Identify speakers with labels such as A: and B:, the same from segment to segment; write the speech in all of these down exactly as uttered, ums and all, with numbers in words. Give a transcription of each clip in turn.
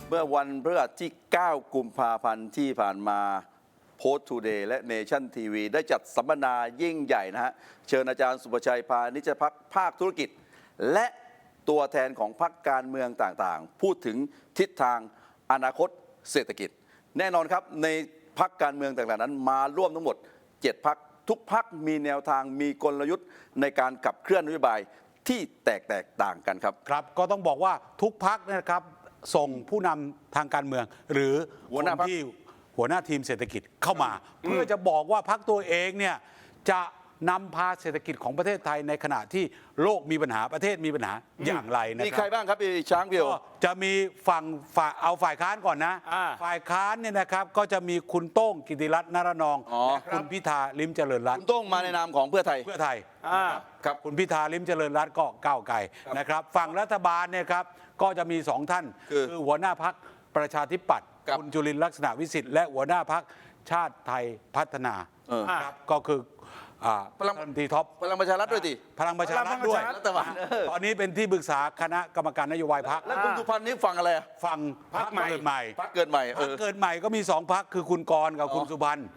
A: เมื่อวันพฤหัสที่เก้ากุมภาพันธ์ที่ผ่านมาโพสต์ทูเดย์และเนชั่นทีวีได้จัดสัมมนายิ่งใหญ่นะฮะเชิญอาจารย์สุประชัยพานิชพักภาคธุรกิจและตัวแทนของพรรคการเมืองต่างๆพูดถึงทิศทางอนาคตเศรษฐกิจแน่นอนครับในพรรคการเมืองต่างๆนั้นมาร่วมทั้งหมดเจ็ดพรรคทุกพรรคมีแนวทางมีกลยุทธ์ในการขับเคลื่อนนโยบายที่แตกแตกต่างกันครับ
B: ครับก็ต้องบอกว่าทุกพรรคนะครับส่งผู้นำทางการเมือง หรือคนที่หัวหน้าทีมเศรษฐกิจเข้ามาเพื่อจะบอกว่าพรรคตัวเองเนี่ยจะนำพาเศรษฐกิจของประเทศไทยในขณะที่โลกมีปัญหาประเทศมีปัญหาอย่างไรนะครับ
A: มีใครบ้างครับพี่ช้างเพียว
B: จะมีฝั่งฝ่ายเอาฝ่ายค้านก่อนนะฝ่ายค้านเนี่ยนะครับก็จะมีคุณโต้งกิติรัตน์นรนองและคุณพิธาลิ้มเจริญรัตน์
A: คุณโต้งมาในนามของเพื่อไทย
B: เพื่อไทยครับคุณพิธาลิ้มเจริญรัตน์ก็ก้าวไกลนะครับฝั่งรัฐบาลเนี่ยครับก็จะมีสองท่านคือหัวหน้าพรรคประชาธิปัตย์คุณจุลินทร์ลักษณะวิสิทธิ์และหัวหน้าพรรคชาติไทยพัฒนาครับก็คือพลังตีท็อป
A: พลังประชารัฐด้วยดิ
B: พลังประชารัฐด้วยตอนนี้เป็นที่ปรึกษาคณะกรรมการนโยบายพรรค
A: แล้วคุณสุพันธ์นี่ฟังอะไร
B: ฟังพรรคเกิดใหม่
A: พรรคเกิดใหม่
B: พรรคเกิดใหม่ก็มีสองพรรคคือคุณกรณ์กับคุณสุพันธ์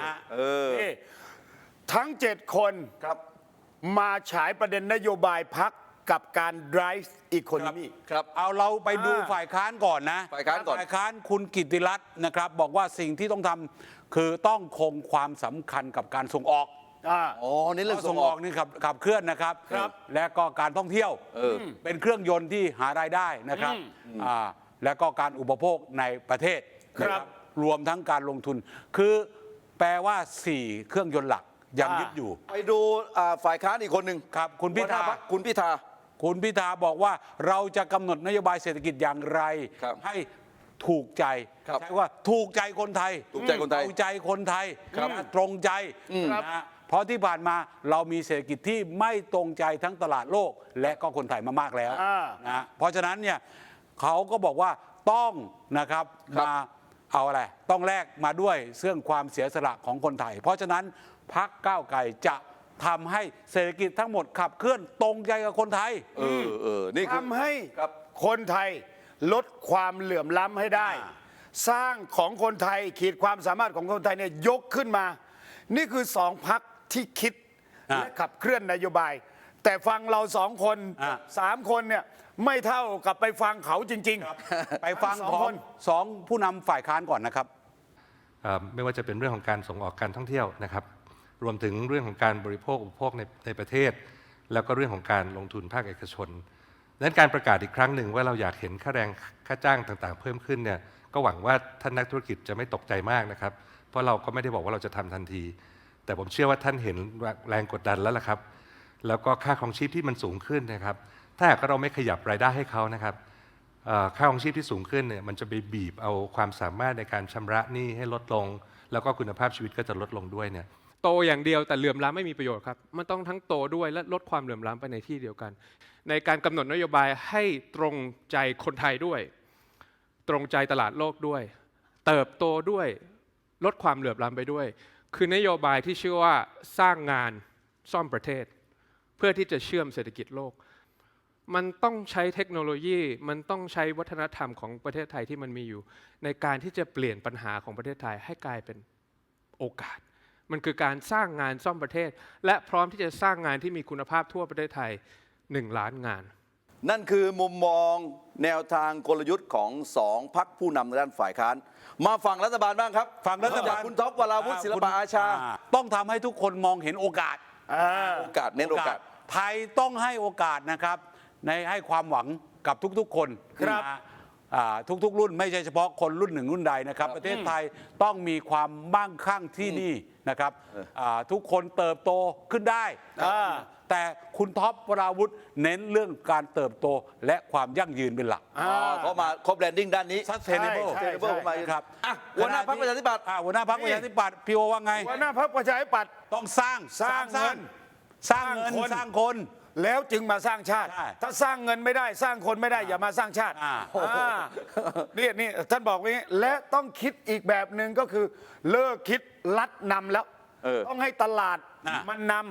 C: ทั้งเจ็ดคนมาฉายประเด็นนโยบายพรรคกับการ drive economy
B: ครับเอาเราไปดูฝ่ายค้านก่อนนะ
A: ฝ่ายค้านก่อน
B: ฝ่ายค้านคุณกิติรัตน์นะครับบอกว่าสิ่งที่ต้องทำคือต้องคงความสำคัญกับการส่งออก
A: อ๋อนี่เรื่อง
B: ส่งออกนี่ขับขับเคลื่อนนะครับและก็การท่องเที่ยวเป็นเครื่องยนต์ที่หารายได้นะครับและก็การอุปโภคในประเทศนะครับรวมทั้งการลงทุนคือแปลว่าสี่เครื่องยนต์หลักยังยึดอยู่
A: ไปดูฝ่ายค้านอีกคนหนึ่ง
B: ครับคุณพิธา
A: คุณพิธา
B: คุณพิธาบอกว่าเราจะกำหนดนโยบายเศรษฐกิจอย่างไรให้ถูกใจใช่ว่าถูกใจคนไทย
A: ถูกใจคนไทย
B: ถูกใจคนไทยตรงใจนะเพราะที่ผ่านมาเรามีเศรษฐกิจที่ไม่ตรงใจทั้งตลาดโลกและก็คนไทยมามากแล้วนะเพราะฉะนั้นเนี่ยเขาก็บอกว่าต้องนะครับมาเอาอะไรต้องแลกมาด้วยเรื่องความเสียสละของคนไทยเพราะฉะนั้นพรรคก้าวไกลจะทำให้เศรษฐกิจทั้งหมดขับเคลื่อนตรงใจกับคนไทย
A: เออเออนี่
C: ทำให้คนไทยลดความเหลื่อมล้ำให้ได้สร้างของคนไทยขีดความสามารถของคนไทยเนี่ยยกขึ้นมานี่คือสองพรรคที่คิดและขับเคลื่อนนโยบายแต่ฟังเราสองคนสามคนเนี่ยไม่เท่ากับไปฟังเขาจริง
B: ๆไปฟังของสองผู้นำฝ่ายค้านก่อนนะครับ
D: ไม่ว่าจะเป็นเรื่องของการส่งออกการท่องเที่ยวนะครับรวมถึงเรื่องของการบริโภคอุปโภคในในประเทศแล้วก็เรื่องของการลงทุนภาคเอกชนดังนั้นการประกาศอีกครั้งหนึ่งว่าเราอยากเห็นค่าแรงค่าจ้างต่างๆเพิ่มขึ้นเนี่ยก็หวังว่าท่านนักธุรกิจจะไม่ตกใจมากนะครับเพราะเราก็ไม่ได้บอกว่าเราจะทำทันทีแต่ผมเชื่อว่าท่านเห็นแรงกดดันแล้วล่ะครับแล้วก็ค่าครองชีพที่มันสูงขึ้นนะครับถ้าหากเราไม่ขยับรายได้ให้เขานะครับค่าครองชีพที่สูงขึ้นเนี่ยมันจะไปบีบเอาความสามารถในการชำระหนี้ให้ลดลงแล้วก็คุณภาพชีวิตก็จะลดลงด้วยเนี่ย
E: โตอย่างเดียวแต่เหลื่อมล้ำไม่มีประโยชน์ครับมันต้องทั้งโตด้วยและลดความเหลื่อมล้ำไปในที่เดียวกันในการกำหนดนโยบายให้ตรงใจคนไทยด้วยตรงใจตลาดโลกด้วยเติบโตด้วยลดความเหลื่อมล้ำไปด้วยคือนโยบายที่ชื่อว่าสร้างงานซ่อมประเทศเพื่อที่จะเชื่อมเศรษฐกิจโลกมันต้องใช้เทคโนโลยีมันต้องใช้วัฒนธรรมของประเทศไทยที่มันมีอยู่ในการที่จะเปลี่ยนปัญหาของประเทศไทยให้กลายเป็นโอกาสมันคือการสร้างงานซ่อมประเทศและพร้อมที่จะสร้างงานที่มีคุณภาพทั่วประเทศไทยหนึ่งล้านงาน
A: นั่นคือมุมมองแนวทางกลยุทธ์ของสองพรรคผู้นำในด้านฝ่ายค้านมาฝั่งรัฐบาลบ้างครับ
B: ฝั่งรัฐบาล
A: คุณท็อปวราวุฒิศิลปะอาชา
B: ต้องทำให้ทุกคนมองเห็นโอกาส
A: โอกาสเน้นโอกาส
B: ไทยต้องให้โอกาสนะครับในให้ความหวังกับทุกๆคน
A: ครับ
B: ทุกๆรุ่นไม่ใช่เฉพาะคนรุ่นหนึ่งรุ่นใดนะครับประเทศไทยต้องมีความมั่งคั่งที่นี่นะครับทุกคนเติบโตขึ้นได้แต่คุณท็อปวราวุฒิเน้นเรื่องการเติบโตและความยั่งยืนเป็นหลัก
A: เขามาครบแบรนดิ้งด้านนี้
B: sustainable
A: มาครับหัวหน้าพรรคประชาธิปัตย์
B: หัวหน้าพรรคประชาธิปัตย์พี่โอว่าไง
C: หัวหน้าพรรคประชาธิปัตย์
B: ต้องสร้าง
C: สร้างเงิน
B: สร้างเงินสร้างคน
C: แล้วจึงมาสร้างชาติถ้าสร้างเงินไม่ได้สร้างคนไม่ได้อย่ามาสร้างชาตินี่นี่ท่านบอกว่านี้และต้องคิดอีกแบบหนึ่งก็คือเลิกคิดลัดนำแล้วต้องให้ตลาดมันนำ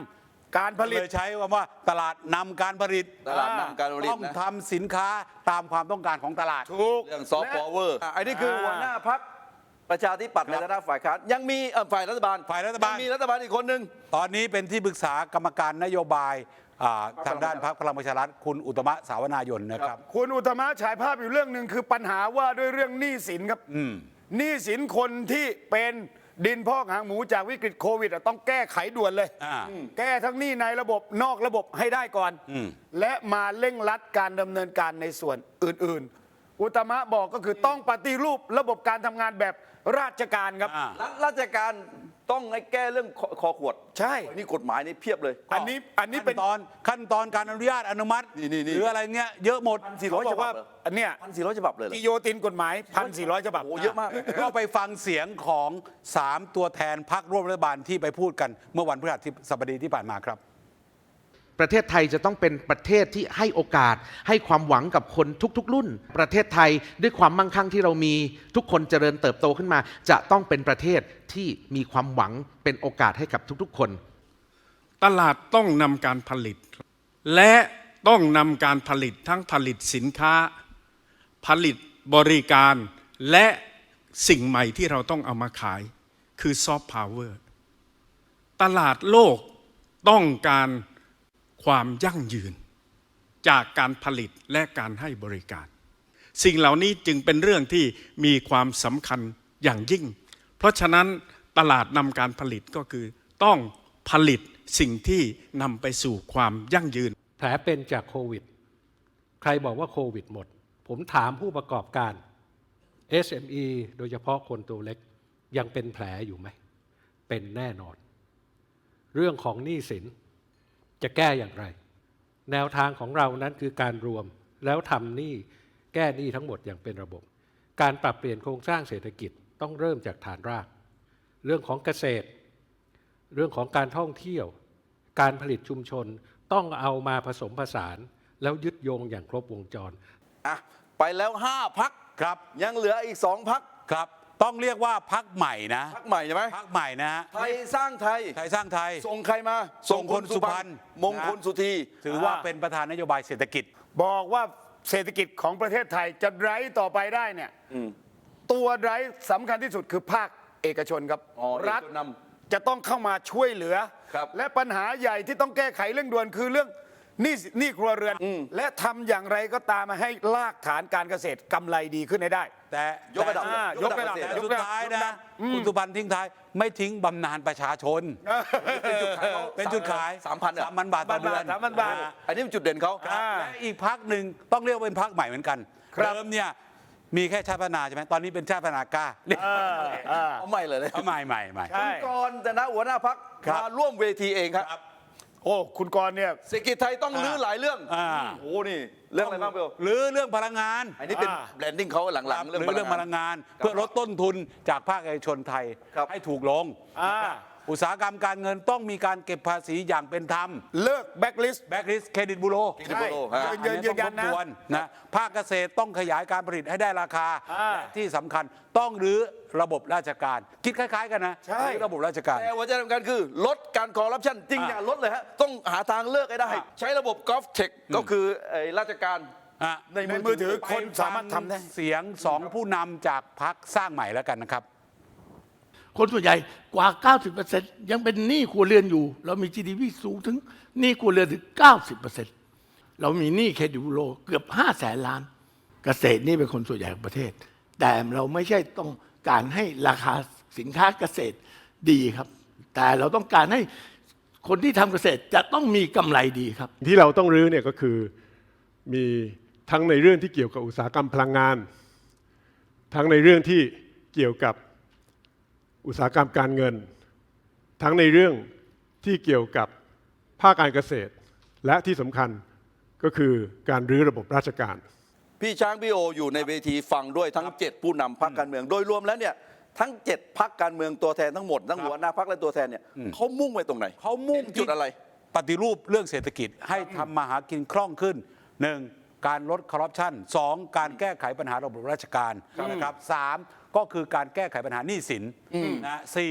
C: การผลิต
B: เลยใช้คำว่าตลาดนำการผลิต
A: ตลาดนำการผลิต
B: ต้อง
A: นะ
B: ทำสินค้าตามความต้องการของตลาด
C: ถูก
A: เรื่องซอฟต์พาวเวอร์อันนี้คือหัวหน้าพักประชาธิปัตย์ในฐานะฝ่ายค้านยังมีเอ่อฝ่ายรัฐบาล
B: ฝ่ายรัฐบาล
A: ยังมีรัฐบาลอีกคนหนึ่ง
B: ตอนนี้เป็นที่ปรึกษากรรมการนโยบายอ่าทางด้านพรรคพลังประชารัฐคุณอุตตมะสาวนายนนะครับ
C: คุณอุตตมะฉายภาพอยู่เรื่องหนึ่งคือปัญหาว่าด้วยเรื่องหนี้สินครับหนี้สินคนที่เป็นดินพอกหางหมูจากวิกฤตโควิดอะต้องแก้ไขด่วนเลย
B: อ่า
C: แก้ทั้งหนี้ในระบบนอกระบบให้ได้ก่อน และมาเร่งรัดการดำเนินการในส่วนอื่น ๆ อุตตมะบอกก็คือต้องปฏิรูประบบการทำงานแบบราชการครับ
B: อ่า
A: รัฐราชการต้องให้แก้เรื่องคอคอขวด
C: ใช่
A: นี่กฎหมายนี่เพียบเลย
C: อันนี้อันนี้เป็น
B: ขั้นตอนขั้นตอนการอนุญาตอนุมัติ
A: นี่นี่นี่
B: หรืออะไรเงี้ยเยอะหมด
A: สี่
C: เขา
A: ร้อย
C: บ
A: ฉ
C: อก
A: บั
C: ว่า
A: บเหรอ
C: อันเนี้ย
A: พันสี่ร้อยฉบับเลยเหรอ
C: กิโยตินกฎหมายพันสี่ร้อยฉบับ
A: โอ้เยอะมาก
B: ก็ไปฟังเสียงของสามตัวแทนพรรคร่วมรัฐบาลที่ไปพูดกันเมื่อวันพฤหัสบดีที่ผ่านมาครับ
F: ประเทศไทยจะต้องเป็นประเทศที่ให้โอกาสให้ความหวังกับคนทุกๆ รุ่น ประเทศไทยด้วยความมั่งคั่งที่เรามีทุกคนเจริญเติบโตขึ้นมา จะต้องเป็นประเทศที่มีความหวังเป็นโอกาสให้กับทุกๆ คน
G: ตลาดต้องนำการผลิต และต้องนำการผลิตทั้งผลิตสินค้า ผลิตบริการและสิ่งใหม่ที่เราต้องเอามาขายคือซอฟต์พาวเวอร์ตลาดโลกต้องการความยั่งยืนจากการผลิตและการให้บริการ สิ่งเหล่านี้จึงเป็นเรื่องที่มีความสำคัญอย่างยิ่ง เพราะฉะนั้นตลาดนำการผลิตก็คือต้องผลิตสิ่งที่นำไปสู่ความยั่งยืน
H: แผลเป็นจากโควิด ใครบอกว่าโควิดหมด ผมถามผู้ประกอบการ เอส เอ็ม อี โดยเฉพาะคนตัวเล็กยังเป็นแผลอยู่ไหม เป็นแน่นอน เรื่องของหนี้สินจะแก้อย่างไร แนวทางของเรานั้นคือการรวมแล้วทำหนี้แก้หนี้ทั้งหมดอย่างเป็นระบบ การปรับเปลี่ยนโครงสร้างเศรษฐกิจต้องเริ่มจากฐานราก เรื่องของเกษตร เรื่องของการท่องเที่ยว การผลิตชุมชนต้องเอามาผสมผสานแล้วยึดโยงอย่างครบวงจร
A: อ่ะไปแล้วห้าพัก
B: ครับ
A: ยังเหลืออีกสองพัก
B: ครับ ต้องเรียกว่าพักใหม่นะ
A: พักใหม่ใช่ไหม
B: พักใหม่นะฮะ
A: ไทยสร้างไทย
B: ไทยสร้างไทย
A: ส่งใครมา
B: ส่งคนสุพรรณ
A: มงคลสุธี
B: ถือว่าเป็นประธานนโยบายเศรษฐกิจ
C: บอกว่าเศรษฐกิจของประเทศไทยจะไร้ต่อไปได้เนี่ยตัวไร้สำคัญที่สุดคือภาคเอกชนครับ
A: อ๋อ
C: รัฐ
A: เอกชนน
C: จะต้องเข้ามาช่วยเหลือ
A: ครับ
C: และปัญหาใหญ่ที่ต้องแก้ไขเร่งด่วนคือเรื่องหนี้หนี้ครัวเรือน และทำอย่างไรก็ตามมาให้รากฐานการเกษตรกำไรดีขึ้นให้ได้
B: แต่
A: ยกระดับ
B: แต่
C: ยกระดับ
B: แต่
C: ยก
B: สุด
C: ระดับ
B: ท้าย
C: ยกระดั
B: นะ
C: บ
B: คุณสุพรรณทิ้งท้ายไม่ทิ้งบำนาญประชาชน
A: เป็นจุดขายเขา
B: เป็นจุดขาย
A: สามพันอ่ะ
B: สามพันบาทต่อเดือน
C: สามพันบาท
B: ะฮะ
A: อันนี้เป็นจุดเด่นเขา
C: อ่า
B: และอีกพักหนึ่งต้องเรียกว่าเป็นพักใหม่เหมือนกัน
C: ครับ
B: เดิมเนี่ยมีแค่ชาติพัฒนาใช่ไหมตอนนี้เป็นชาติพัฒนากล้าเรียก
A: เอาใหม่เลยเลย
B: เอาใหม่ใหม่ใหม่
C: ใช่
A: คุณกรณ์แต่นะหัวหน้าพัก
B: ครับ
A: มาร่วมเวทีเองครับ
C: โอ้คุณกรณ์เนี่ย
A: เศรษฐกิจไทยต้องลื้อหลายเรื่อง
B: อ่า
A: โอ้โหนี่เรื่องอะไรบ้างเบล
B: หรือเรื่องพลังงาน
A: อันนี้เป็น
C: อ่า
A: แบรนดิ้งเขาหลังๆ
B: หรือเรื่องพลังงาน เพื่อลดต้นทุนจากภาคเอกชนไทย
A: ครับ
B: ให้ถูกลง
C: อ่า
B: อุตสาหกรรมการเงินต้องมีการเก็บภาษีอย่างเป็นธรรม
C: เลิกแบ็กลิสต์
B: แบ็กลิสเครดิตบูโร
A: Credit Bureau ฮะ
C: ยืนยืนยันนะ
B: นะภาคเกษตรต้องขยายการผลิตให้ได้ราคา
C: อ่า
B: และที่สำคัญต้องรื้อระบบราชการ คิดคล้าย ๆ กันนะ
C: ใช่
B: รื้อระบบราชการ
A: แต่หัวใจสำคัญคือลดการคอร์รัปชันจริง
B: อ่า
A: อย่าลดเลยฮะต้องหาทางเลิกให้ได้
B: อ่า
A: ใช้ระบบกอล์ฟเทคก็คือไอ้ราชการ
B: อ่ะ
C: ในมือถือคนสามารถทำได้
B: เสียงสองผู้นำจากพรรคสร้างใหม่แล้วกันนะครับ
I: คนส่วนใหญ่กว่า เก้าสิบเปอร์เซ็นต์ ยังเป็นหนี้ครัวเรือนอยู่ เรามี จี ดี พี สูงถึงหนี้ครัวเรือนถึง เก้าสิบเปอร์เซ็นต์ เรามีหนี้เครดิตบูโรเกือบ ห้าแสนล้าน เกษตรนี่เป็นคนส่วนใหญ่ของประเทศ แต่เราไม่ใช่ต้องการให้ราคาสินค้าเกษตรดีครับ แต่เราต้องการให้คนที่ทำเกษตรจะต้องมีกำไรดีครับ
J: ที่เราต้องรื้อเนี่ยก็คือมีทั้งในเรื่องที่เกี่ยวกับอุตสาหกรรมพลังงาน ทั้งในเรื่องที่เกี่ยวกับอุตสาหกรรมการเงิน ทั้งในเรื่องที่เกี่ยวกับภาคการเกษตร และที่สำคัญก็คือการรื้อระบบราชการ
A: พี่ช้างพี่โออยู่ในเวทีฟังด้วยทั้งเจ็ดผู้นำพรรคการเมือง โดยรวมแล้วเนี่ยทั้งเจ็ดพรรคการเมืองตัวแทนทั้งหมดทั้งหัวหน้าพรรคและตัวแทนเนี่ยเขามุ่งไปตรงไหน
B: เขามุ่ง
A: จุดอะไร
B: ปฏิรูปเรื่องเศรษฐกิจให้ทำมาหากินคล่องขึ้นหนึ่งการลดคอร์รัปชันสองการแก้ไขปัญหาระบบราชการนะครับสามก็คือการแก้ไขปัญหาหนี้สินนะสี่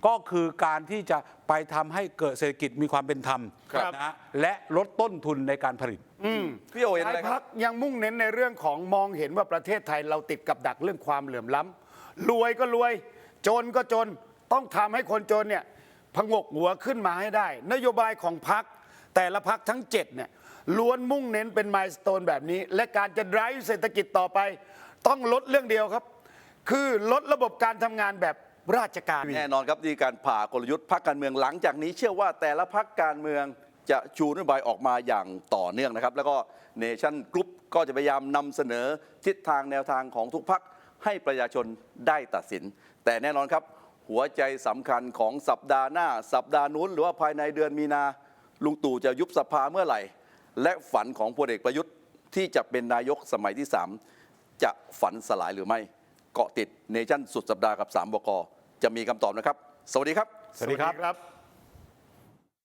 B: ก็คือการที่จะไปทำให้เกิดเศรษฐกิจมีความเป็นธรรม
C: ครับ
B: นะฮะและลดต้นทุนในการผลิต
A: พี่โอเห็น
C: ห
A: อะไร
C: ลาย
A: ค
C: พั
A: รับ
C: กยังมุ่งเน้นในเรื่องของมองเห็นว่าประเทศไทยเราติดกับดักเรื่องความเหลื่อมล้ำรวยก็รวย จนก็จนต้องทำให้คนจนเนี่ยพงกหัวขึ้นมาให้ได้ นโยบายของพักแต่ละพักทั้งเจ็ดเนี่ยล้วนมุ่งเน้นเป็นมายสเตนแบบนี้ และการจะ drive เศรษฐกิจต่อไป ต้องลดเรื่องเดียวครับ คือลดระบบการทำงานแบบราชการ
A: แน่นอนครับที่การผ่ากลยุทธ์พรรคการเมืองหลังจากนี้เชื่อว่าแต่ละพรรคการเมืองจะชูนโยบายออกมาอย่างต่อเนื่องนะครับ แล้วก็เนชั่นกรุ๊ปก็จะพยายามนำเสนอทิศทางแนวทางของทุกพรรคให้ประชาชนได้ตัดสิน แต่แน่นอนครับหัวใจสำคัญของสัปดาห์หน้า สัปดาห์นู้นหรือว่าภายในเดือนมีนาลุงตู่จะยุบสภาเมื่อไหร่ และฝันของพลเอกประยุทธ์ที่จะเป็นนายกสมัยที่สามจะฝันสลายหรือไม่เกาะติดเนชั่นสุดสัปดาห์กับสามบก.จะมีคำตอบนะครับ สวัสดีครับ
B: สวัสดีครับ
C: ครับ